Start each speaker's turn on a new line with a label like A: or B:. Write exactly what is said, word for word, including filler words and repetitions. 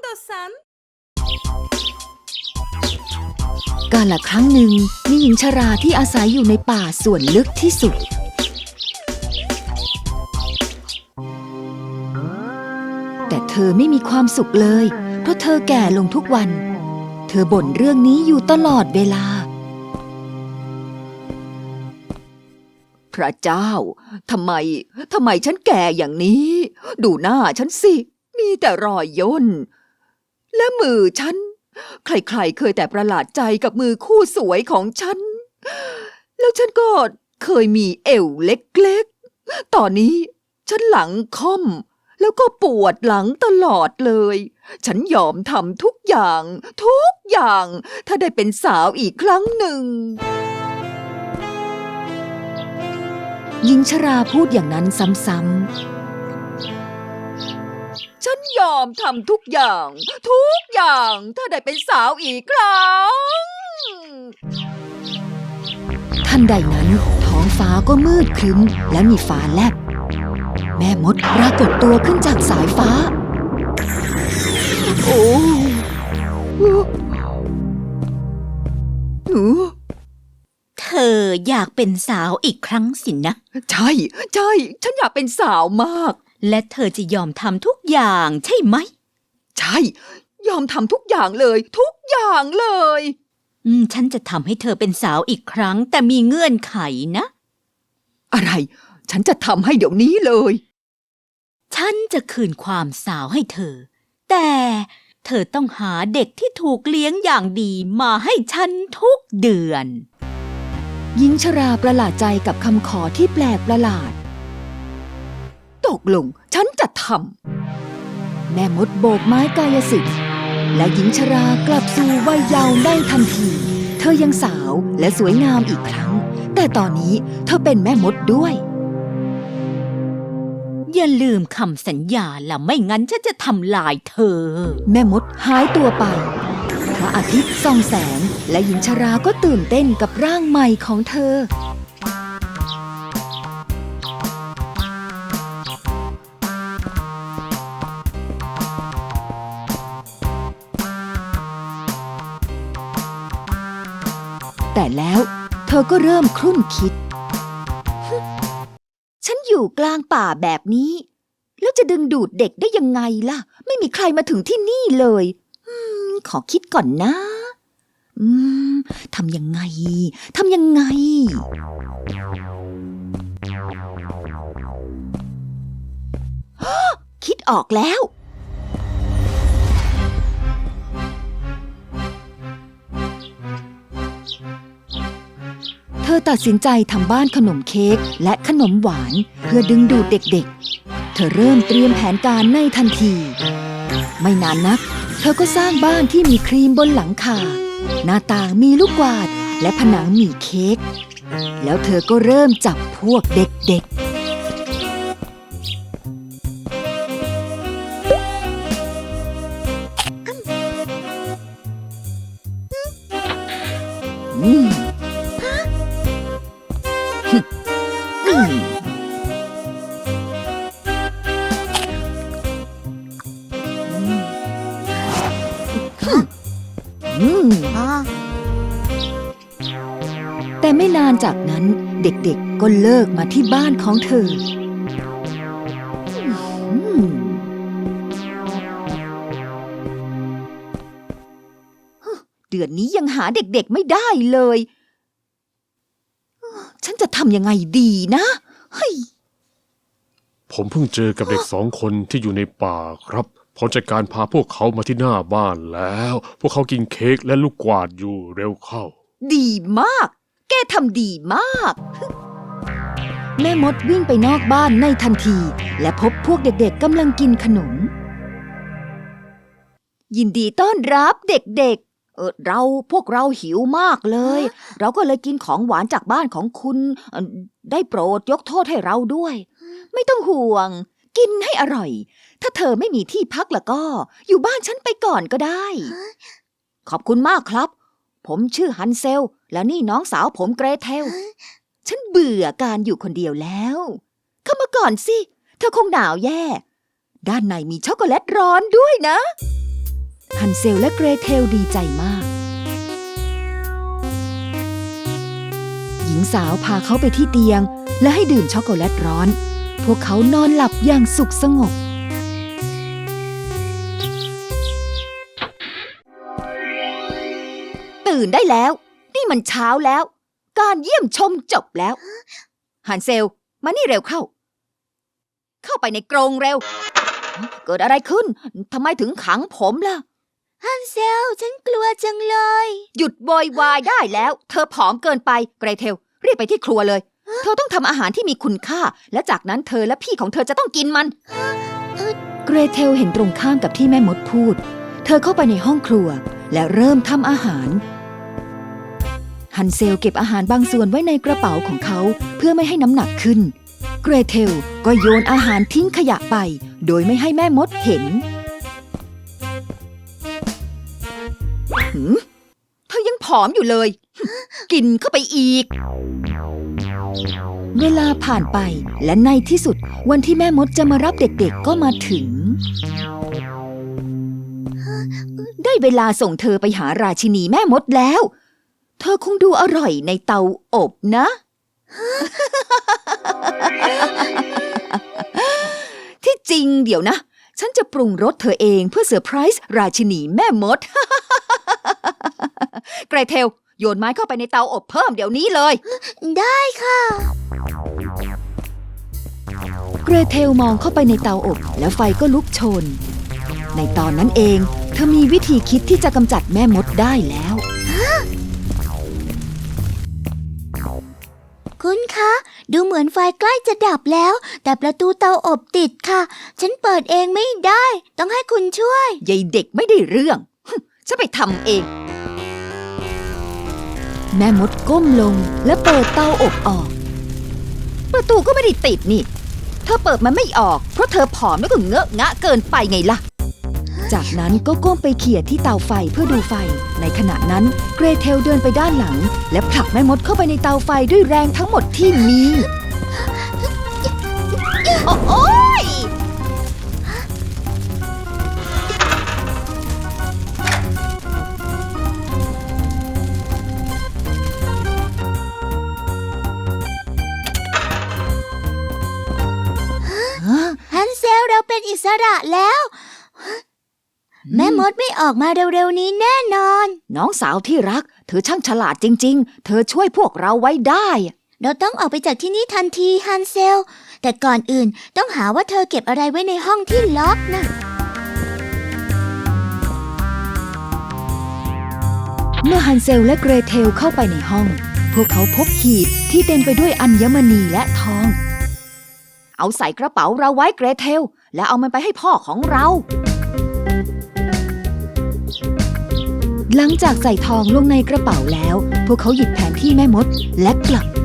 A: istiyorsan.
B: กาลครั้งหนึ่งมีหญิงชราที่อาศัยอยู่ในป่าส่วนลึกที่สุดแต่เธอไม่มีความสุขเลยเพราะเธอแก่ลงทุกวันเธอบ่นเรื่องนี้อยู่ตลอดเวลาพระเจ้าทำไมทำไมฉันแก่อย่างนี้ดูหน้าฉันสิมีแต่รอยย่นและมือฉันใครๆเคยแต่ประหลาดใจกับมือคู่สวยของฉันแล้วฉันก็เคยมีเอวเล็กๆตอนนี้ฉันหลังค่อมแล้วก็ปวดหลังตลอดเลยฉันยอมทำทุกอย่างทุกอย่างถ้าได้เป็นสาวอีกครั้งหนึ่งหญิงชราพูดอย่างนั้นซ้ำๆฉันยอมทำทุกอย่างทุกอย่างถ้าได้เป็นสาวอีกครั้งทันใดนั้นท้องฟ้าก็มืดครึ้มและมีฟ้าแลบแม่มดปรากฏตัวขึ้นจากสายฟ้าโอ้หนู
C: เธออยากเป็นสาวอีกครั้งสินะ
B: ใช่ใช่ฉันอยากเป็นสาวมาก
C: และเธอจะยอมทำทุกอย่างใช่ไหม
B: ใช่ยอมทำทุกอย่างเลยทุกอย่างเลย
C: อืมฉันจะทำให้เธอเป็นสาวอีกครั้งแต่มีเงื่อนไขนะ
B: อะไรฉันจะทำให้เดี๋ยวนี้เลย
C: ฉันจะคืนความสาวให้เธอแต่เธอต้องหาเด็กที่ถูกเลี้ยงอย่างดีมาให้ฉันทุกเดือน
B: หญิงชราประหลาดใจกับคำขอที่แปลกประหลาดตกลงฉันจะทำแม่มดโบกไม้กายสิทธิ์และหญิงชรากลับสู่วัยเยาว์ได้ทันทีเธอยังสาวและสวยงามอีกครั้งแต่ตอนนี้เธอเป็นแม่มดด้วย
C: อย่าลืมคำสัญญาล่ะไม่งั้นฉันจะทำลายเธอ
B: แม่มดหายตัวไปพระอาทิตย์ส่องแสงและหญิงชราก็ตื่นเต้นกับร่างใหม่ของเธอแต่แล้วเธอก็เริ่มครุ่นคิดฉันอยู่กลางป่าแบบนี้แล้วจะดึงดูดเด็กได้ยังไงล่ะไม่มีใครมาถึงที่นี่เลยอืมขอคิดก่อนนะอืมทำยังไงทำยังไงคิดออกแล้วเธอตัดสินใจทำบ้านขนมเค้กและขนมหวานเพื่อดึงดูดเด็กๆเธอเริ่มเตรียมแผนการในทันทีไม่นานนักเธอก็สร้างบ้านที่มีครีมบนหลังคาหน้าต่างมีลูกกวาดและผนังมีเค้กแล้วเธอก็เริ่มจับพวกเด็กๆอืมแต่ไม่นานจากนั้นเด็กๆก็เลิกมาที่บ้านของเธอเดือนนี้ยังหาเด็กๆไม่ได้เลยฉันจะทำยังไงดีนะเฮ้ย
D: ผมเพิ่งเจอกับเด็กสองคนที่อยู่ในป่าครับผมจัดการพาพวกเขามาที่หน้าบ้านแล้วพวกเขากินเค้กและลูกกวาดอยู่เร็วเข้า
B: ดีมากแกทำดีมากแม่มดวิ่งไปนอกบ้านในทันทีและพบพวกเด็กๆกำลังกินขนมยินดีต้อนรับเด็กๆเออเราพวกเราหิวมากเลยเราก็เลยกินของหวานจากบ้านของคุณได้โปรดยกโทษให้เราด้วยไม่ต้องห่วงกินให้อร่อยถ้าเธอไม่มีที่พักแล้วก็อยู่บ้านฉันไปก่อนก็ได้ขอบคุณมากครับผมชื่อฮันเซลและนี่น้องสาวผมเกรเทลฉันเบื่อการอยู่คนเดียวแล้วเข้ามาก่อนสิเธอคงหนาวแย่ด้านในมีช็อกโกแลตร้อนด้วยนะฮันเซลและเกรเทลดีใจมากหญิงสาวพาเขาไปที่เตียงและให้ดื่มช็อกโกแลตร้อนพวกเขานอนหลับอย่างสุขสงบตื่นได้แล้วนี่มันเช้าแล้วการเยี่ยมชมจบแล้วฮันเซลมานี่เร็วเข้าเข้าไปในกรงเร็วเกิดอะไรขึ้นทำไมถึงขังผมล่ะฮันเซลฉันกลัวจังเลยหยุดโวยวายได้แล้วเธอผอมเกินไปเกรเทลรีบไปที่ครัวเลยเธอต้องทำอาหารที่มีคุณค่าและจากนั้นเธอและพี่ของเธอจะต้องกินมันเกรเทลเห็นตรงข้ามกับที่แม่มดพูดเธอเข้าไปในห้องครัวและเริ่มทำอาหารฮันเซลเก็บอาหารบางส่วนไว้ในกระเป๋าของเขาเพื่อไม่ให้น้ำหนักขึ้นเกรเทลก็โยนอาหารทิ้งขยะไปโดยไม่ให้แม่มดเห็นหืมเธอยังผอมอยู่เลย กินเข้าไปอีกเวลาผ่านไปและในที่สุดวันที่แม่มดจะมารับเด็กๆก็มาถึงได้เวลาส่งเธอไปหาราชินีแม่มดแล้วเธอคงดูอร่อยในเตาอบนะ ที่จริงเดี๋ยวนะฉันจะปรุงรสเธอเองเพื่อเซอร์ไพรส์ราชินีแม่มด เกรเทลโยนไม้เข้าไปในเตาอบเพิ่มเดี๋ยวนี้เลยได้ค่ะเกรเทลมองเข้าไปในเตาอบแล้วไฟก็ลุกโชนในตอนนั้นเองเธอมีวิธีคิดที่จะกำจัดแม่มดได้แล้ว
A: คุณคะดูเหมือนไฟใกล้จะดับแล้วแต่ประตูเตาอบติดค่ะฉันเปิดเองไม่ได้ต้องให้คุณช่วย
B: ยายเด็กไม่ได้เรื่องฉันไปทำเองแม่มดก้มลงและเปิดเตาอบออกประตูก็ไม่ได้ติดนี่เธอเปิดมันไม่ออกเพราะเธอผอมแล้วก็เงอะงะเกินไปไงล่ะจากนั้นก็ก้มไปเขี่ยที่เตาไฟเพื่อดูไฟในขณะนั้นเกรเทลเดินไปด้านหลังและผลักแม่มดเข้าไปในเตาไฟด้วยแรงทั้งหมดที่มีโอ๊ย
A: ฮันเซลเราเป็นอิสระแล้วแม่มดไม่ออกมาเร็วๆนี้แน่นอน
B: น้องสาวที่รักเธอช่างฉลาดจริงๆเธอช่วยพวกเราไว้ได้
A: เราต้องออกไปจากที่นี่ทันทีฮันเซลแต่ก่อนอื่นต้องหาว่าเธอเก็บอะไรไว้ในห้องที่ล็อกนะ
B: เมื่อฮันเซลและเกรเทลเข้าไปในห้องพวกเขาพบหีบที่เต็มไปด้วยอัญมณีและทองเอาใส่กระเป๋าเราไว้เกรเทลและเอามันไปให้พ่อของเราหลังจากใส่ทองลงในกระเป๋าแล้วพวกเขาหยิบแผนที่แม่มดและกลับ